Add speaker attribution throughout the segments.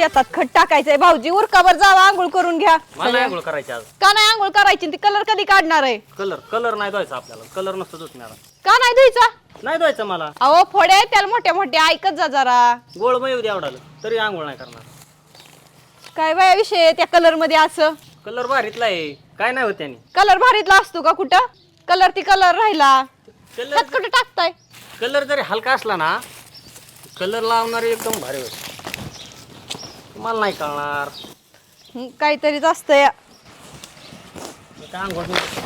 Speaker 1: शेतात खत टाकायचंय भाऊजी उरकावर जावा आंघोळ करून घ्या
Speaker 2: मला आंघोळ करायची आज.
Speaker 1: का नाही आंघोळ करायची ती कलर कधी काढणार आहे
Speaker 2: कलर नाही धुवायचा आपल्याला. कलर नसतो धुतणार.
Speaker 1: का नाही धुईचा
Speaker 2: नाही धुवायचं मला.
Speaker 1: अहो फोडे त्याला मोठ्या मोठ्या ऐकत जा जरा
Speaker 2: गोळ मग येऊ दे आवडालं तरी आंघोळ नाही करणार.
Speaker 1: काय बाया विषय आहे त्या कलर मध्ये असं
Speaker 2: कलर भारीतला आहे. काय नाही होत त्याने.
Speaker 1: कलर भारीतला असतो का कुठं कलर ती कलर राहिला
Speaker 2: कलर
Speaker 1: खत कुठं टाकताय
Speaker 2: कलर जरी हलका असला ना कलर लावणारे एकदम भारी होईल. मला नाही कळणार.
Speaker 1: काहीतरीच असतंय
Speaker 2: काय आंघोळ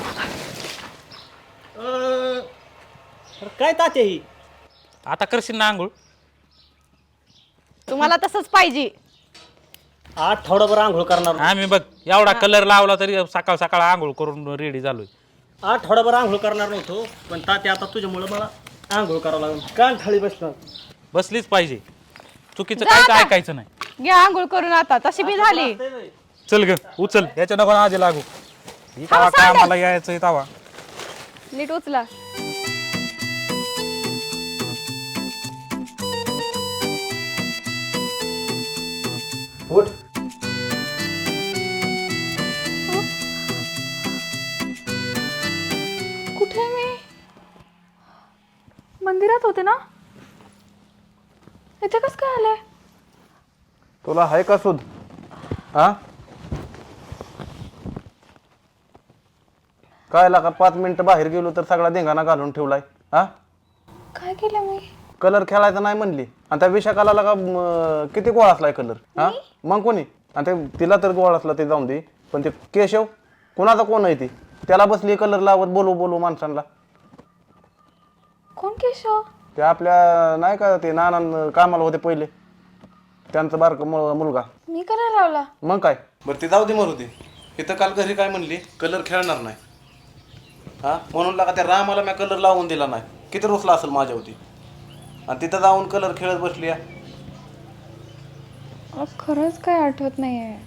Speaker 2: काय ताते ही
Speaker 3: आता करशील ना आंघोळ?
Speaker 1: तुम्हाला तसंच पाहिजे.
Speaker 2: आठवडाभर आंघोळ करणार.
Speaker 3: आम्ही बघ एवढा कलर लावला तरी सकाळ सकाळ आंघोळ करून रेडी झालोय.
Speaker 2: आठवडाभर आंघोळ करणार नव्हतो पण ताते आता तुझ्यामुळे मला आंघोळ करावं लागेल. कान थाळी बसणार.
Speaker 3: बसलीच पाहिजे. चुकीचं
Speaker 1: जा
Speaker 3: काहीच
Speaker 1: आता.
Speaker 3: ऐकायचं नाही.
Speaker 1: घ्या आंघोळ करून आता तशी बी झाली
Speaker 3: चल ग उचल याच्या नको आजी लागू. ही
Speaker 1: थांब,
Speaker 3: तवा काय
Speaker 1: सांग.
Speaker 3: आम्हाला यायचंय तवा.
Speaker 1: नीट उचला
Speaker 2: उठ.
Speaker 4: कुठे मी मंदिरात होते ना इथे कस काय आले
Speaker 5: तुला आहे का सुध हा काय लागा 5 मिनिटं बाहेर गेलो तर सगळा धिंगाणा घालून ठेवलाय. हा
Speaker 4: काय केलं मी
Speaker 5: कलर खेळायचा नाही म्हणली आणि त्या विशाखाला लागा किती गोळा असलाय कलर. हा मग कोणी आणि ते तिला तर गोळा असला ते जाऊन दे पण ते केशव कोणाचा कोण आहे ती त्याला बसली कलर लावत बोलू बोलू माणसांना.
Speaker 4: कोण केशव
Speaker 5: ते आपल्या नाही का ते नाना कामाला होते पहिले त्यांचा बारक मुलगा.
Speaker 4: मी करायला लावला
Speaker 5: मग काय बरं ते जाऊ दे मरू दे. इथं काल घरी काय म्हणली कलर खेळणार नाही. हा म्हणून लागा त्या रामाला मी कलर लावून दिला नाही. किती रुसला असेल माझ्या होती आणि तिथं जाऊन कलर खेळत बसली.
Speaker 4: खरंच काय आठवत नाहीये.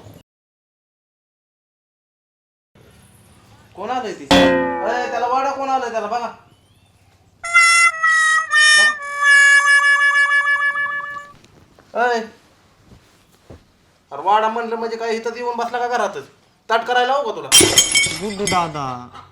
Speaker 5: कोण आलंय ती अरे त्याला वाडा कोण आलंय त्याला बघा. अय अरे वाडा म्हणलं म्हणजे काय इथं येऊन बसला का घरातच ताट करायला लावू का तुला?
Speaker 6: गुड्डू दादा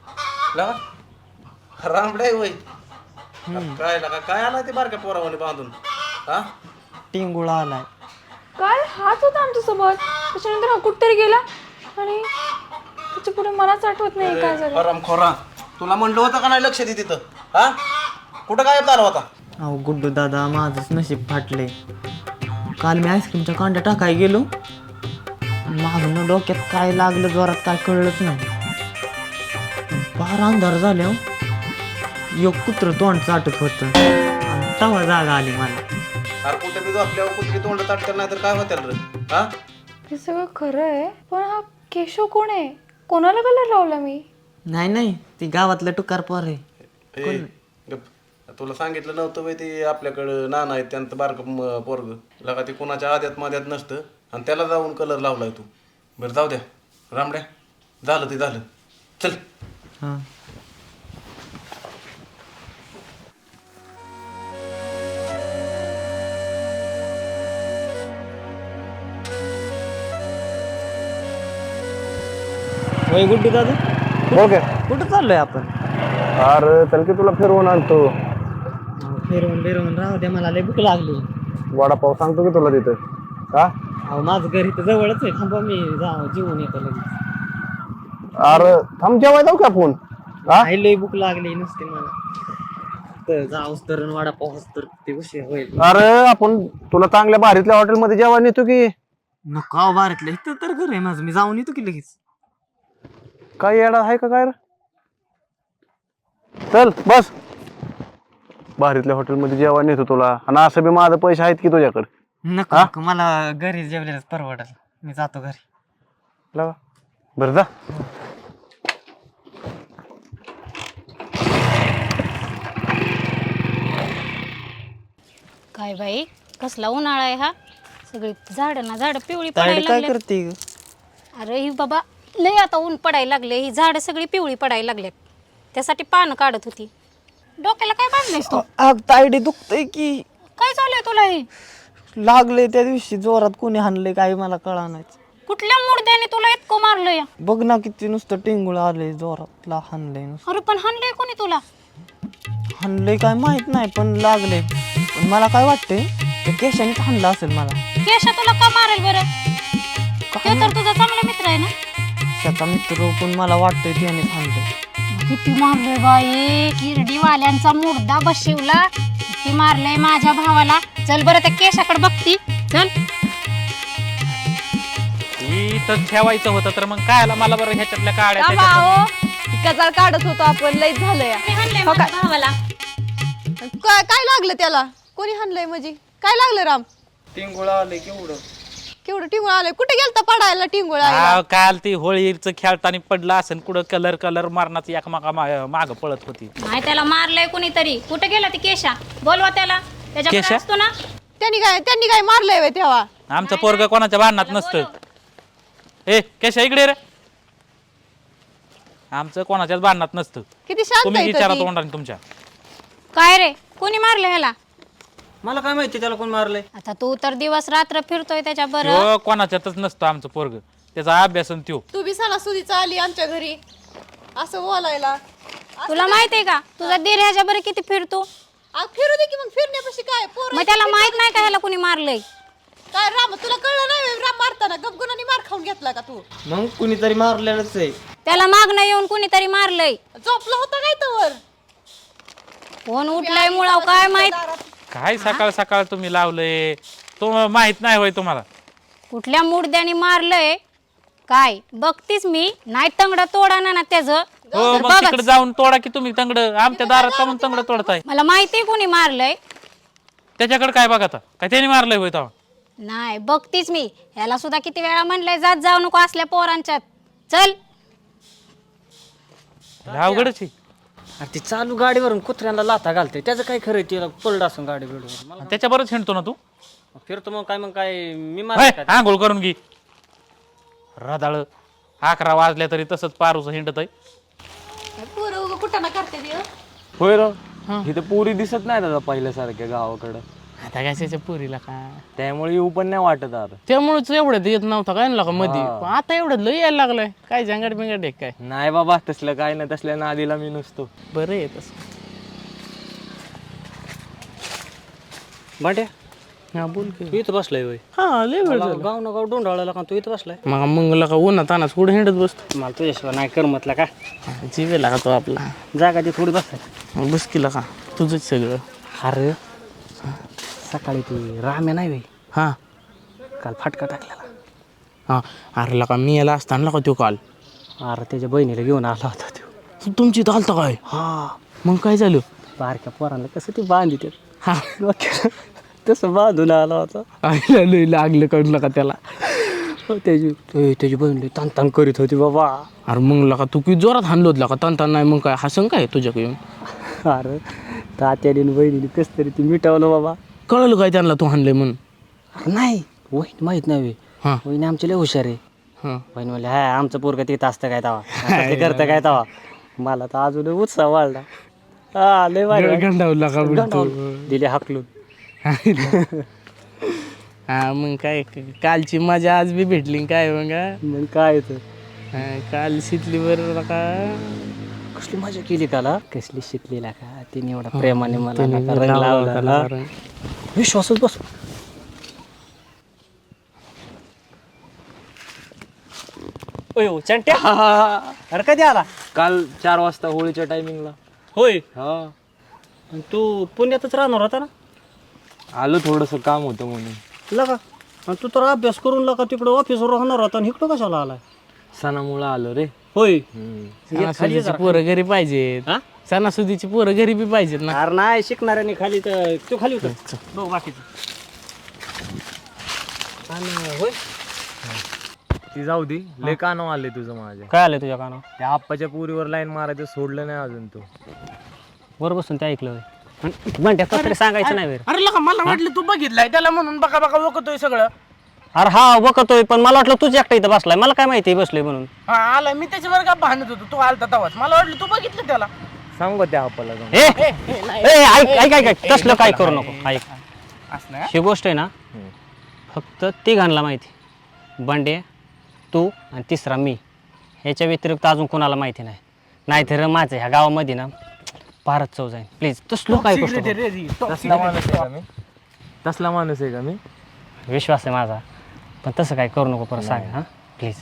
Speaker 5: लगा रामडे वय काय लगा काय आलाय ते बारक्या पोरावाने बांधून. हा
Speaker 6: टिंगुळा आलाय.
Speaker 4: काय हाच होता आमच्यासोबत त्याच्यानंतर हा कुठतरी गेला आणि त्याच्या पुढे मलाच आठवत नाही काय झालं.
Speaker 5: हरामखोरा तुला म्हणलं होतं का नाही लक्ष दे तिथं. हा कुठं गायब झाला होता?
Speaker 6: अहो गुड्डू दादा माझंच नशीब फाटले. काल मी आईस्क्रीमच्या कांड्या टाकाय गेलो मागून डोक्यात काय लागलं जोरात काय कळलंच नाही. बाहेर अंधार झाले एक कुत्र तोंड चाटत होतं आणि तवा जागा आली मला.
Speaker 5: अरे कुठं बी आपल्यावर कुत्री तोंड ताटकर नाही तर काय होत्याल रे. हा
Speaker 4: हे सगळं खरं आहे पण हा केशव कोण आहे कोणाला कलर लावला मी.
Speaker 6: नाही नाही ती गावातलं टुकार पोर आहे.
Speaker 5: ए, गप. तुला सांगितलं नव्हतं बाई ते आपल्याकडं नाना आहेत त्यांचं बारकं पोरग लगा ते कोणाच्या आद्यात माद्यात नसतं आणि त्याला जाऊन कलर लावलाय तू. बरं जाऊ द्या रामड्या झालं ते झालं चल.
Speaker 6: हां होय गुड्डू दादा
Speaker 5: बोल काय
Speaker 6: कुठं चाललोय आपण?
Speaker 5: अरे चल की तुला फिरवून आणतो.
Speaker 6: फिरवून बिरवून राहू द्या मला लय भूक लागली.
Speaker 5: वडापाव सांगतो की तुला तिथं. हा
Speaker 6: अहो माझं घर इथं जवळच आहे थांबा मी जेवून येतो लगेच.
Speaker 5: अरे थांब जेवाय जाऊ का आपण. हा
Speaker 6: लय भूक लागली नसते मला तर जाऊस तर वडापावच तर ते उशीर होईल.
Speaker 5: अरे आपण तुला चांगल्या भारीतल्या हॉटेलमध्ये जेवाय नेतो की.
Speaker 6: नको अहो बारीतलं इथं तर घर आहे माझं मी जाऊन येतो की लगेच.
Speaker 5: काय येडा आहे का काय रे. चल बस भारीतल्या हॉटेलमध्ये जेवाय नेतो तुला आणि असं बी माझं पैसे आहेत की तुझ्याकडे.
Speaker 6: नको नको मला घरी जेवलेलंच परवडल मी जातो घरी.
Speaker 5: लगा बरं जा.
Speaker 7: काय बाई कसला उन्हाळा आहे हा सगळी झाडं ना झाडं पिवळी
Speaker 6: ताईड
Speaker 7: पडायला
Speaker 6: काय
Speaker 7: लागल्यात.
Speaker 6: करते ग?
Speaker 7: अरे ही बाबा लय आता ऊन पडायला लागले ही झाडं सगळी पिवळी पडायला लागल्यात त्यासाठी पानं काढत होती. डोक्याला काय बांधलंयस तू?
Speaker 6: ताईडी दुखतय की.
Speaker 7: काय चालू आहे तुला हे?
Speaker 6: लागले त्या दिवशी जोरात कोणी हाणले काही मला कळा नाही.
Speaker 7: कुठल्या मुर्द्याने तुला इतकं मारलंय?
Speaker 6: बघ ना किती नुसतं टिंगुळ आले जोरात हाणलंय नुसतं.
Speaker 7: अरे पण हाणलंय कोणी तुला?
Speaker 6: हाणलंय काय माहित नाही पण लागले. पण मला काय वाटतंय त्या केशानेच हाणलं असेल मला.
Speaker 7: केशा तुला का मारेल बरं? तो तर तुझा चांगला मित्र आहे ना.
Speaker 6: त्याचा मित्र पण मला वाटतंय त्यानेच हाणलंय.
Speaker 7: किती मारलंय बाई, किरडीवाल्यांचा मुर्दा बशिवला. किती मारलंय माझ्या भावाला. चल बरं त्या केशाकडे बघती. चल.
Speaker 3: इथं ठेवायचं होतं तर मग कायला मला बरं ह्याच्यातल्या काड्या
Speaker 1: थांबा
Speaker 3: त्याच्यात-
Speaker 1: अहो, कजार काढत होतो आपण, लईच झालंय.
Speaker 7: मी हाणलंय
Speaker 1: हो
Speaker 7: माझ्या
Speaker 1: काय?
Speaker 7: भावाला.
Speaker 1: काय लागलं त्याला? कोणी हाणलंय म्हणजे? काय लागलं राम?
Speaker 2: टिंगुळा आले केवढं.
Speaker 1: केवढं टिंगुळ आलंय? कुठे गेलता पडायला टिंगुळ?
Speaker 3: हा, काल ती होळीचं खेळताना पडला असेल कुठं कलर मारण्याचं एकमेका माग पळत होती.
Speaker 7: नाही त्याला मारलंय कुणीतरी. कुठे गेला ती केशा? बोलवा त्याला. त्याच्याकडे
Speaker 3: केशा?
Speaker 7: असतो ना.
Speaker 1: त्यांनी काय मारलंय व्हय तेव्हा?
Speaker 3: आमचं पोरग कोणाच्या भांडणात नसतं. ए केशा इकडे रे. आमचं कोणाच्याच भांडणात नसतं.
Speaker 1: किती शांत
Speaker 3: तुम्ही
Speaker 1: आहे
Speaker 3: विचारा
Speaker 1: ती.
Speaker 3: तोंडाने तुमच्या.
Speaker 7: काय रे, कोणी मारलं ह्याला?
Speaker 2: मला काय माहिती त्याला कोण मारलंय.
Speaker 7: आता तू तर दिवस रात्र फिरतोय त्याच्या बरं.
Speaker 3: हो, कोणाच्यातच नसतं आमचं पोरग. त्याचा अभ्यास आणि त्यो.
Speaker 1: तू बी सणासुदीचा आली आमच्या घरी असं बोलायला.
Speaker 7: तुला माहितीये का तुझा दीर ह्याच्या बरं किती फिरतो?
Speaker 1: फिरू दे की मग, फिरण्यापाशी काय पोरं
Speaker 7: मग त्याला माहित नाही का ह्याला कोणी मारलंय?
Speaker 1: काय राम, तुला कळलं नाही व्हय? राम मारताना गपगुणाने मार खाऊन घेतला का तू?
Speaker 6: मग कुणीतरी मारलेलंच आहे.
Speaker 7: त्याला मागणं येऊन कुणीतरी मारलंय.
Speaker 1: झोपला होता काय तवर?
Speaker 7: कोण उठलाय मुळाव काय माहित.
Speaker 3: काय सकाळ सकाळ तुम्ही लावलंय? तो माहित नाही होय तुम्हाला?
Speaker 7: कुठल्या मुर्द्याने मारलंय काय बघतीस मी. नाही तंगड तोडा ना त्याचं.
Speaker 3: हो,
Speaker 7: तर
Speaker 3: मग
Speaker 7: बघच.
Speaker 3: तिकडे जाऊन तोडा की तुम्ही तंगड. आमच्या दारात का म्हणून तंगड तोडताय?
Speaker 7: मला माहितीये कोणी मारलंय.
Speaker 3: त्याच्याकडे काय बघा आता? काय त्याने मारलंय होय तेव्हा?
Speaker 7: नाही बघतीस मी. याला सुद्धा किती वेळा म्हणलंय जात जाऊ नको असल्या पोरांच्यात. चल.
Speaker 3: अवघडच आहे.
Speaker 2: अरे ती चालू गाडीवरून कुत्र्यांना लाथा घालते. त्याचं काय खरं तिला पडलं असं गाडी बिडवर. मला
Speaker 3: त्याच्याबरोबर हिंडतो ना तू?
Speaker 2: फिरतो मग काय मी
Speaker 3: होय,
Speaker 2: मारलं काय?
Speaker 3: आंघोळ करून घे. रदाळ 11 वाजल्या तरी तसंच पारूच हिंडत आहे.
Speaker 1: पोरं कुठं ना करते ती, हं?
Speaker 8: होय र इथे पुरी दिसत नाही दादा पहिल्यासारख्या गावाकडं.
Speaker 9: आता कशाच्या पुरीला का
Speaker 8: त्यामुळे येऊ पण नाही वाटत आता.
Speaker 9: त्यामुळेच एवढं येत नव्हता काय ना मध्ये. आता एवढं लय यायला लागलंय. काय जंगड बिंगड आहे काय?
Speaker 8: नाही बाबा तसलं काय नाही, तसल्या नादीला मी नसतो.
Speaker 9: बरं आहे तसं.
Speaker 2: भांड्या
Speaker 9: हा बोल की.
Speaker 2: तू इथं बसलाय होय.
Speaker 9: हा लय वेळ झाला.
Speaker 2: गाव ना गाव डोंडाळाला का तू इथं बसलाय.
Speaker 9: मग मंगला का उन्हात तानाच कुठे हिंडत बसतो.
Speaker 2: मला तुझ्याशिवाय नाही करमतला का.
Speaker 9: जीवेला का तो आपला
Speaker 2: जागा ती थोडी बसाय.
Speaker 9: बस केला का तुझंच सगळं.
Speaker 2: अरे सकाळी ती राम्या नाही होय.
Speaker 9: हा
Speaker 2: काल फाटका टाकलेला.
Speaker 9: हा अरे लका मी याला असताना का तो काल
Speaker 2: अरे त्याच्या बहिणीला घेऊन आला होता तो.
Speaker 9: तुमची चालतं काय?
Speaker 2: हा
Speaker 9: मग काय झालं?
Speaker 2: बारक्या पोरांना कसं ती बांधित
Speaker 9: हा
Speaker 2: तसं बांधून आला होता.
Speaker 9: आईला लय लागलं कळलं का त्याला.
Speaker 2: त्याची बहीण ताण करीत होती बाबा.
Speaker 9: अरे मग लका तू किती जोरात हाणलो होत का तान नाही मग काय हसंग काय तुझ्याकडे येऊन?
Speaker 2: अरे तात्याने बहिणीने कसं तरी ती मिटवलं बाबा.
Speaker 9: कळलं काय त्यांना तू हाणलंय म्हणून?
Speaker 2: अरे नाही वहीन माहित नाही.
Speaker 9: हा
Speaker 2: वहिनी आमची लय हुशार आहे.
Speaker 9: हा
Speaker 2: बहीण म्हणले हा आमचं पोरगं तिथं असतं काय तवा करतं काय तवा. मला तर अजून उत्साह वाढला. हा लय भारी.
Speaker 9: गंडावला का
Speaker 2: गंडावलं. दिले हाकलून.
Speaker 9: हा मग काय कालची मजा आज बी भेटली काय मग हा?
Speaker 2: मग काय तर
Speaker 9: काल शिकली बरोबर का
Speaker 2: कसली मजा केली काला. कसली शिकलेला का तिने एवढा प्रेमाने मला नाका रंग लावला. विश्वासच बस. ओयो चंट्या. अरे कधी आला?
Speaker 8: काल 4 वाजता होळीच्या टायमिंगला.
Speaker 2: होय.
Speaker 8: हा
Speaker 2: आणि तू पुण्यातच राहणार होता ना.
Speaker 8: आलो थोडंसं काम होतं म्हणून.
Speaker 2: लगा आणि तू तर अभ्यास करून लगा तिकडं ऑफिसवर राहणार होता आणि इकडं कशाला आलाय?
Speaker 8: सणामुळं आलो रे.
Speaker 2: होय.
Speaker 9: सणासुदीची पोरं घरी पाहिजेत.
Speaker 2: हा?
Speaker 9: सणासुदीची पोरं घरी बी पाहिजेत ना.
Speaker 2: अरे नाही शिकणाऱ्याने खाली तर तू खाली होत बघ बाकीचं. आणि होय
Speaker 8: ती जाऊ दे. लय कानव आले तुझं माझ्या.
Speaker 2: काय आलंय तुझ्या कानावर?
Speaker 8: त्या आप्पाच्या पुरीवर लाईन मारायचं सोडलं नाही अजून तू.
Speaker 2: वर बसून ते ऐकलं म्हणते तरी सांगायचं नाही.
Speaker 9: अरे लका मला वाटलं तू बघितलाय त्याला म्हणून बघा बघा ओळखतोय सगळं.
Speaker 2: अरे हा बघतोय पण मला वाटलं तुझ्या एकटा इथं बसलाय. मला काय माहिती बसलोय म्हणून.
Speaker 9: हा आला मी त्याच्यावर का भांडत होतो तू आलता तवाच मला वाटलं तू बघितलं त्याला.
Speaker 8: सांगू त्या आप्पाला जाऊन.
Speaker 2: ऐक तसलं काय करू नको. ऐक ही गोष्ट आहे ना फक्त तिघांना माहिती, बंडे, तू आणि तिसरा मी. ह्याच्या व्यतिरिक्त अजून कोणाला माहिती नाही. नाहीतर माझं ह्या गावामध्ये ना फारच चव जाईल. प्लीज तसलो काय गोष्ट
Speaker 8: तसला माणूस आहे का मी? तसला माणूस आहे का मी?
Speaker 2: विश्वास आहे माझा, पण तसं काय करू नको परत सांग हां प्लीज.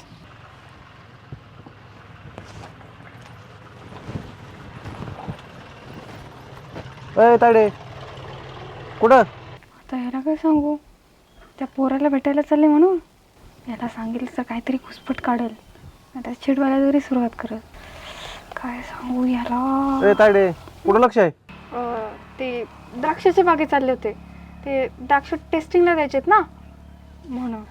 Speaker 5: ताडे कुठं?
Speaker 4: आता ह्याला काय सांगू, त्या पोराला भेटायला चालले म्हणून. याला सांगितलं तर काहीतरी घुसपट काढेल, आता चिडवायला जरी सुरुवात करेल. काय सांगू याला.
Speaker 5: ताडे कुठं लक्ष आहे?
Speaker 4: ते द्राक्षाच्या बागेत चालले होते, ते द्राक्ष टेस्टिंगला द्यायचेत ना म्हणून.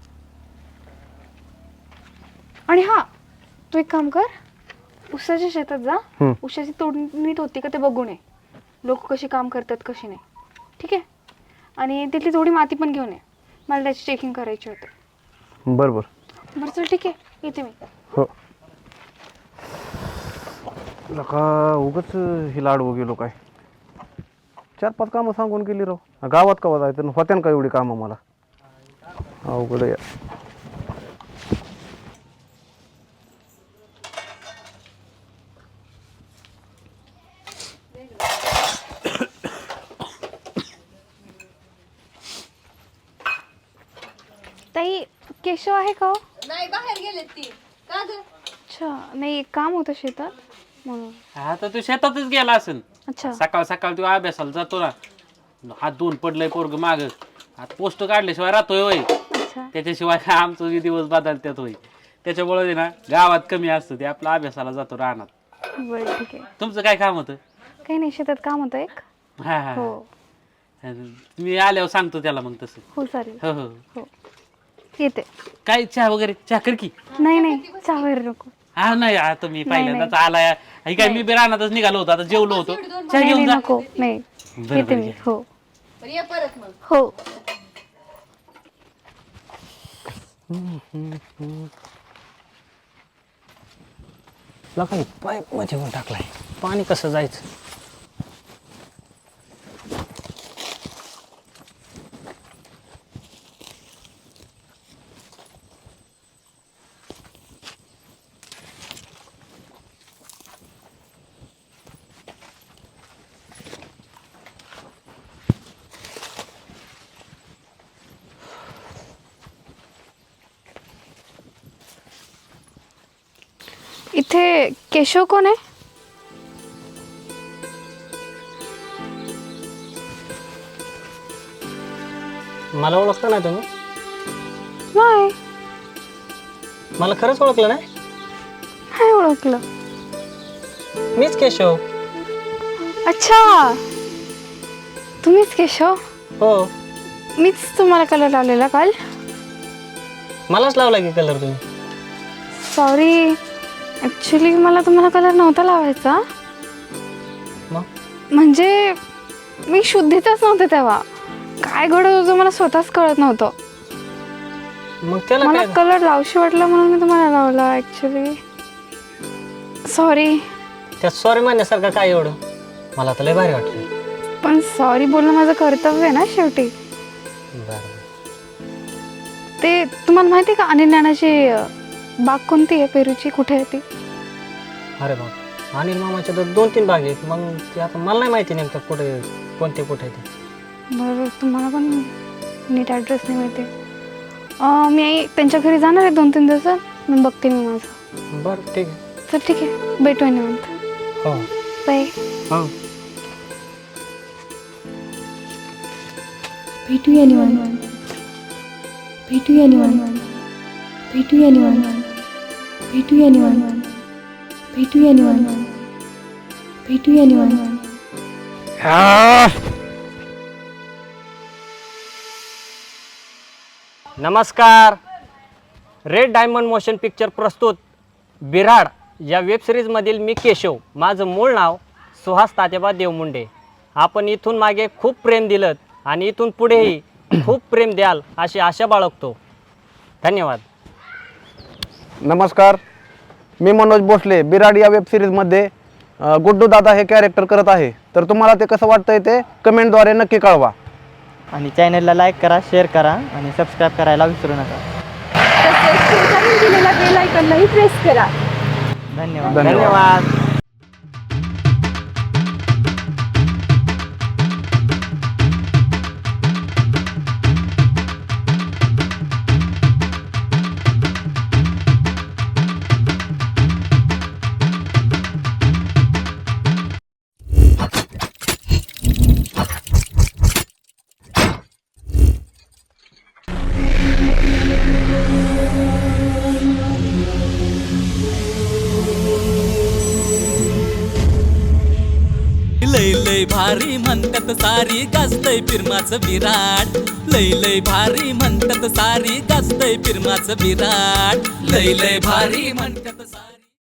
Speaker 4: आणि हा तू एक काम कर, उसाच्या शेतात जा, उसाची तोडणी नीट होती का ते बघून ये, लोक कशी काम करतात कशी नाही, ठीक आहे? आणि तिथली थोडी माती पण घेऊन ये, मला त्याची चेकिंग करायची होती.
Speaker 5: बरं बरं
Speaker 4: बरं चल ठीक आहे, येते मी.
Speaker 5: हो. नका उगाच ही लाडवं गेलो काय, 4-5 कामं सांगून गेली राव. गावात कवा जायचं होत्यान का एवढी कामं मला? अवघड आहे.
Speaker 4: ताई केशव आहे का?
Speaker 1: नाही बाहेर गेलेत ती. का ग?
Speaker 4: अच्छा, नाही एक काम होतं शेतात म्हणून.
Speaker 3: आता तू शेतातच गेला असेल.
Speaker 4: अच्छा
Speaker 3: सकाळ सकाळ तू अभ्यासाला जातो ना, हात धुवून पडलंय पोरग माग, आता पोस्ट काढल्याशिवाय राहतोय होय.
Speaker 4: अच्छा
Speaker 3: त्याच्याशिवाय काय आमचं जे दिवस बदलत्यात होय. त्याच्यामुळे ना गावात कमी असतं, ते आपल्या अभ्यासाला जातो राहणार.
Speaker 4: बरं ठीक आहे.
Speaker 3: तुमचं काय काम होतं?
Speaker 4: काही नाही, शेतात काम होतं एक.
Speaker 3: हा हा
Speaker 4: हो
Speaker 3: मी आल्यावर सांगतो त्याला मग तसं.
Speaker 4: हो चालेल.
Speaker 3: हो हो.
Speaker 4: हो येते.
Speaker 3: काय चहा वगैरे चहा कर की.
Speaker 4: नाही नाही चहा वगैरे नको.
Speaker 3: हा नाही आता मी पहिल्यांदाच आलाय, हे काय मी बी रानातच निघालो होतो, आता जेवलो होतो. चहा
Speaker 4: नाही
Speaker 3: घेऊन जा.
Speaker 4: नको नाही,
Speaker 3: बरं,
Speaker 4: येते
Speaker 3: बरं,
Speaker 4: मी.
Speaker 3: घे.
Speaker 4: हो
Speaker 1: बरं ये परत मग.
Speaker 4: हो.
Speaker 2: काही पाईप मध्ये येऊन टाकलाय, पाणी कसं जायचं?
Speaker 4: इथे केशव कोण आहे?
Speaker 2: मला ओळखता नाही तुम्ही?
Speaker 4: नाही
Speaker 2: मला खरंच ओळखलं नाही?
Speaker 4: नाही ओळखलं.
Speaker 2: मीच केशव.
Speaker 4: अच्छा तुम्हीच केशव?
Speaker 2: हो.
Speaker 4: मीच तुम्हाला कलर लावलेला काल.
Speaker 2: मलाच लावला की कलर तुम्ही?
Speaker 4: सॉरी, ॲक्च्युली मला तुम्हाला कलर नव्हता लावायचा.
Speaker 2: मग?
Speaker 4: म्हणजे मी शुद्धीतच नव्हते तेव्हा. काय घडत होतं मला स्वतःच कळत नव्हतं.
Speaker 2: मग त्याला
Speaker 4: मला
Speaker 2: काय?
Speaker 4: कलर लावशी वाटला म्हणून मी तुम्हाला लावला. Actually sorry.
Speaker 2: त्यात सॉरी म्हणण्यासारखं काय एवढं? मला तर लय भारी वाटलं.
Speaker 4: पण सॉरी बोलणं माझं कर्तव्य आहे ना शेवटी.
Speaker 2: बरं.
Speaker 4: ते तुम्हाला माहिती आहे का अनिल नानाची बाग कोणती आहे पेरूची, कुठे आहे ती?
Speaker 2: अरे बाप, अनिल मामाच्या तर 2-3 बाग आहेत. मग ते आता मला नाही माहिती नेमकं कुठे कोणते कुठे ते.
Speaker 4: बरं तुम्हाला पण नीट ॲड्रेस नाही माहिती. मी त्यांच्या घरी जाणार आहे 2-3 दिवसात, मी बघते मी माझं.
Speaker 2: बरं ठीक आहे.
Speaker 4: तर ठीक आहे, भेटूया निवांत.
Speaker 2: हो
Speaker 4: बाय.
Speaker 2: हो.
Speaker 4: भेटूया निवांत. भेटूया निवांत. भेटूया निवांत. भेटूया निवांत. भेटूया निवांत. भेटूया निवांत.
Speaker 2: नमस्कार. रेड डायमंड मोशन पिक्चर प्रस्तुत बिराड या वेबसिरीजमधील मी केशव. माझं मूळ नाव सुहास तात्याबा देवमुंडे. आपण इथून मागे खूप प्रेम दिलं आणि इथून पुढेही खूप प्रेम द्याल अशी आशा बाळगतो. धन्यवाद.
Speaker 5: नमस्कार, मी मनोज भोसले. बिराड या वेबसिरीजमध्ये गुड्डू दादा हे कॅरेक्टर करत आहे. तर तुम्हाला ते कसं वाटतंय ते कमेंटद्वारे नक्की कळवा.
Speaker 6: आणि चॅनलला लाईक करा, शेअर करा आणि सबस्क्राईब करायला विसरू नका.
Speaker 4: तसेच शेजारी दिलेल्या बेल आयकॉनलाही प्रेस करा.
Speaker 6: धन्यवाद.
Speaker 2: धन्यवाद.
Speaker 10: लय लय भारी म्हणतात सारी गाजतय फिरमाचं विराट. लय लय भारी म्हणतात सारी गाजतय फिरमाचं विराट. लय लय भारी म्हणतात सारी